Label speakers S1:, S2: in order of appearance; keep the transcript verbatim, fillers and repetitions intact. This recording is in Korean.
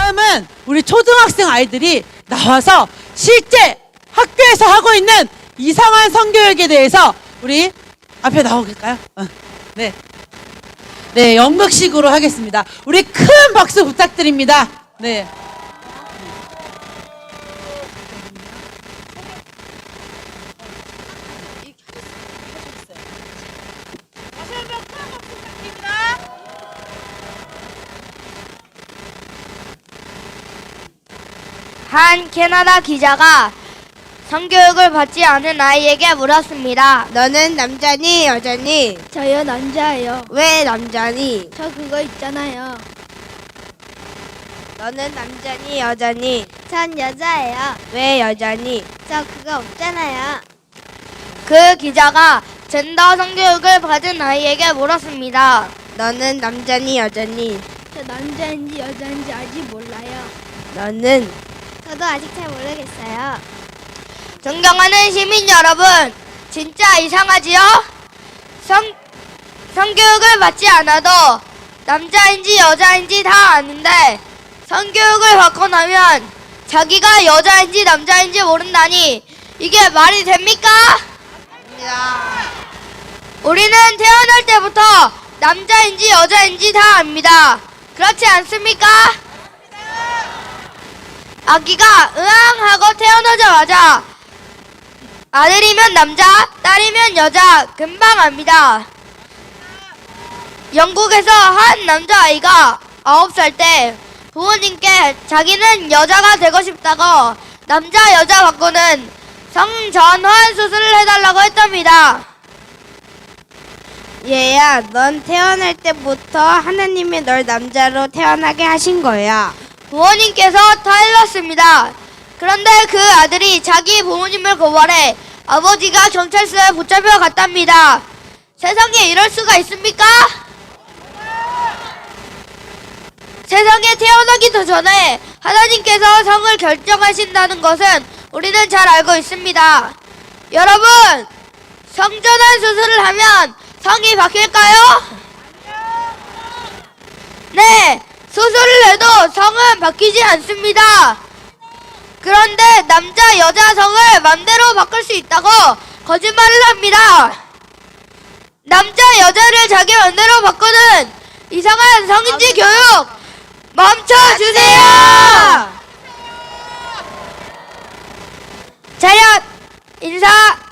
S1: 다음은 우리 초등학생 아이들이 나와서 실제 학교에서 하고 있는 이상한 성교육에 대해서 우리 앞에 나오실까요? 어, 네. 네, 연극식으로 하겠습니다. 우리 큰 박수 부탁드립니다. 네.
S2: 한 캐나다 기자가 성교육을 받지 않은 아이에게 물었습니다.
S3: 너는 남자니 여자니?
S2: 저요 남자예요.
S3: 왜 남자니?
S2: 저 그거 있잖아요.
S3: 너는 남자니 여자니?
S2: 전 여자예요.
S3: 왜 여자니?
S2: 저 그거 없잖아요. 그 기자가 젠더 성교육을 받은 아이에게 물었습니다.
S3: 너는 남자니 여자니?
S2: 저 남자인지 여자인지 아직 몰라요.
S3: 너는?
S2: 저도 아직 잘 모르겠어요. 존경하는 시민 여러분, 진짜 이상하지요? 성, 성교육을 받지 않아도 남자인지 여자인지 다 아는데 성교육을 받고 나면 자기가 여자인지 남자인지 모른다니 이게 말이 됩니까? 우리는 태어날 때부터 남자인지 여자인지 다 압니다. 그렇지 않습니까? 아기가 으앙 하고 태어나자마자 아들이면 남자, 딸이면 여자 금방 압니다. 영국에서 한 남자아이가 아홉 살 때 부모님께 자기는 여자가 되고 싶다고 남자 여자 바꾸는 성전환 수술을 해달라고 했답니다.
S3: 얘야, 넌 태어날 때부터 하나님이 널 남자로 태어나게 하신 거야.
S2: 부모님께서 타일렀습니다. 그런데 그 아들이 자기 부모님을 고발해 아버지가 경찰서에 붙잡혀 갔답니다. 세상에 이럴 수가 있습니까? 세상에 태어나기도 전에 하나님께서 성을 결정하신다는 것은 우리는 잘 알고 있습니다. 여러분, 성전환 수술을 하면 성이 바뀔까요? 네, 수술을 해도 성은 바뀌지 않습니다. 그런데 남자 여자 성을 맘대로 바꿀 수 있다고 거짓말을 합니다. 남자 여자를 자기 맘대로 바꾸는 이상한 성인지 교육 멈춰주세요. 차렷 인사.